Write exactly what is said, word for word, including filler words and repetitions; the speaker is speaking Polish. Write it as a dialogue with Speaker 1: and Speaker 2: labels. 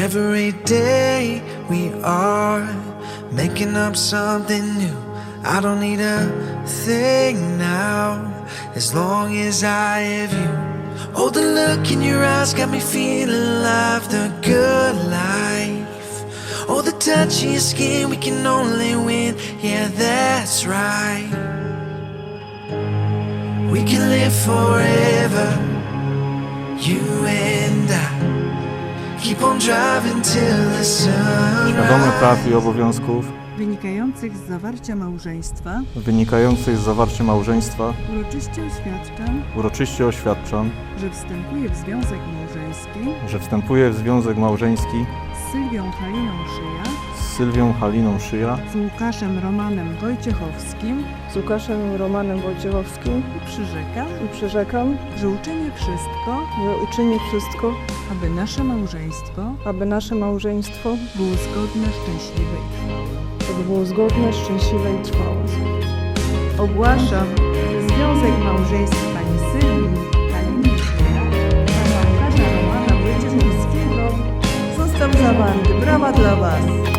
Speaker 1: Every day we are making up something new. I don't need a thing now, as long as I have you. Oh, the look in your eyes got me feeling alive, the good life. Oh, the touch of your skin, we can only win. Yeah, that's right. We can live forever, you and I. Keep on driving till the sun
Speaker 2: Świadomy praw i obowiązków
Speaker 3: wynikających z zawarcia małżeństwa
Speaker 2: wynikających z zawarcia małżeństwa
Speaker 3: uroczyście oświadczam,
Speaker 2: uroczyście oświadczam,
Speaker 3: że wstępuję w związek małżeński
Speaker 2: że wstępuję w związek małżeński
Speaker 3: z Sylwią Haliną Szyja,
Speaker 2: z Sylwią Haliną Szyja,
Speaker 3: z Łukaszem Romanem Wojciechowskim
Speaker 4: Z Łukaszem Romanem Wojciechowskim
Speaker 3: i przyrzekam,
Speaker 4: i przyrzekam,
Speaker 3: że uczynię wszystko,
Speaker 4: że uczynię wszystko,
Speaker 3: aby nasze małżeństwo
Speaker 4: aby nasze małżeństwo
Speaker 3: było zgodne, szczęśliwe i trwałe.
Speaker 4: aby było zgodne, szczęśliwe i trwałe.
Speaker 3: Ogłaszam, że związek małżeński pani Sylwii Haliny Szyja i pana Łukasza Romana Wojciechowskiego został zawarty. Brawa dla Was!